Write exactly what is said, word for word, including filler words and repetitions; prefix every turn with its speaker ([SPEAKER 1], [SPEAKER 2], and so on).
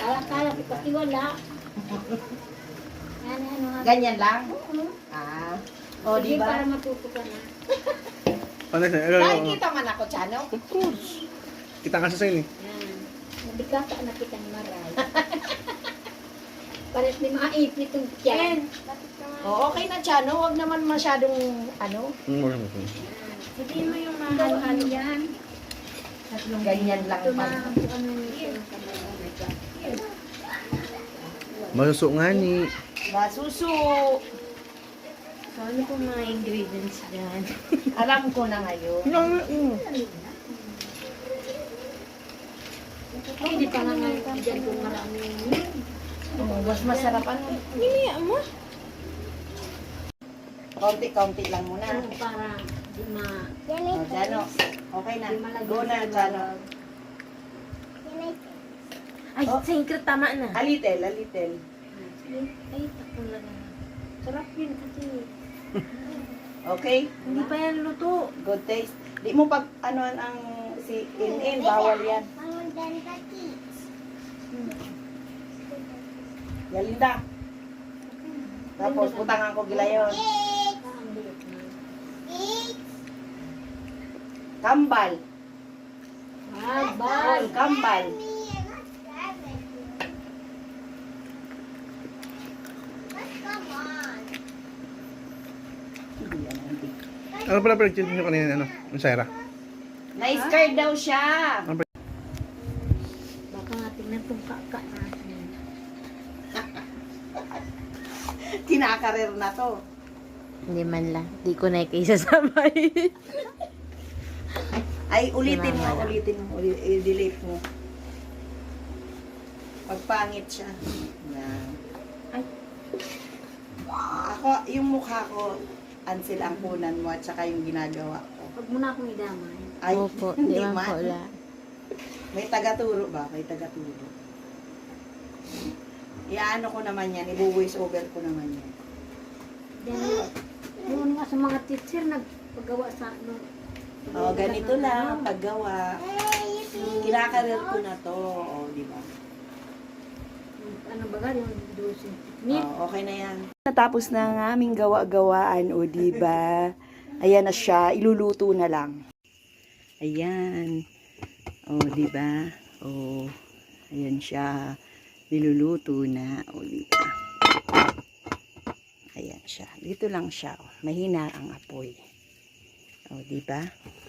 [SPEAKER 1] Kala-kala, pati wala. Yan, ano, ha?
[SPEAKER 2] Ganyan lang?
[SPEAKER 1] Oo.
[SPEAKER 2] Ah. O,
[SPEAKER 1] Sige,
[SPEAKER 2] di ba?
[SPEAKER 1] para matuto ka na.
[SPEAKER 3] Ano siya? Ano, ano,
[SPEAKER 2] Nakikita man ako, Chano.
[SPEAKER 3] Of course. Kita ka sa sa'yo eh.
[SPEAKER 1] Yan. Nabigasa na kita ni Maray. Pares ni mga ipit yung tiyan.
[SPEAKER 2] O, okay na, Chano. Huwag naman masyadong, ano,
[SPEAKER 3] Mm, wala mo.
[SPEAKER 1] Sabihin mo yung mga halo-halo yan.
[SPEAKER 2] ganyan lang.
[SPEAKER 1] Ito na,
[SPEAKER 2] pa.
[SPEAKER 1] ano nito.
[SPEAKER 3] Masuso nga ni.
[SPEAKER 2] Masuso.
[SPEAKER 1] So, ano po mga ingredients dyan?
[SPEAKER 2] Alam ko na ngayon.
[SPEAKER 3] Mm.
[SPEAKER 1] Hindi pa nga nga dyan kung marami.
[SPEAKER 2] Oh, mas masarap ano.
[SPEAKER 1] Niniya mo?
[SPEAKER 2] Kaunti-kaunti lang muna.
[SPEAKER 1] Ano para di ma...
[SPEAKER 2] O, Chano. Okay na.
[SPEAKER 1] Di malagyan
[SPEAKER 2] Go na,
[SPEAKER 1] sa
[SPEAKER 2] Chano.
[SPEAKER 1] loob. Ay,
[SPEAKER 2] Oh.
[SPEAKER 1] singkret tama na.
[SPEAKER 2] A little, a little.
[SPEAKER 1] Ay, takong lang. Sarap yun kasi.
[SPEAKER 2] Okay?
[SPEAKER 1] Hindi pa yan luto.
[SPEAKER 2] Good taste. Di mo pag ano ang si in-in, bawal yan. Yalinda. Tapos butangan ko gilayon. Kambal.
[SPEAKER 1] Ah, bal.
[SPEAKER 2] Kambal.
[SPEAKER 3] Ano pala pinag-chill nyo kanina, ano? Yung Sarah?
[SPEAKER 2] Na-scared daw siya.
[SPEAKER 1] Baka nga tingnan kung kaka natin.
[SPEAKER 2] Kinakarir na to.
[SPEAKER 4] Hindi man lang. Di ko na ikisasabay.
[SPEAKER 2] Ay, ulitin mo,
[SPEAKER 4] Kinamala.
[SPEAKER 2] ulitin mo, uli- i-delete mo. Pagpangit siya. Yan.
[SPEAKER 1] Ay.
[SPEAKER 2] Ako, yung mukha ko, Ansel ang punan mo at saka yung ginagawa ko.
[SPEAKER 1] Huwag mo na akong idamay.
[SPEAKER 2] Ay,
[SPEAKER 4] Opo, di man po la.
[SPEAKER 2] May tagaturo ba? May tagaturo. Iaano ko naman yan, ibu-voice over ko naman yan.
[SPEAKER 1] Yan, yun nga sa mga teacher, nagpagawa sa ano.
[SPEAKER 2] Oh, ganito lang, paggawa. Kinakarir ko na to, oh, di ba?
[SPEAKER 1] Ano ba yung dosing technique?
[SPEAKER 2] Oh, okay na yan. Natapos na ang aming gawa-gawaan, o di ba? Ayan na siya, iluluto na lang. Ayan. O, di ba? O, ayan siya. Niluluto na, o di ba? Ayan siya. Dito lang siya, oh. Mahina ang apoy. O, di ba?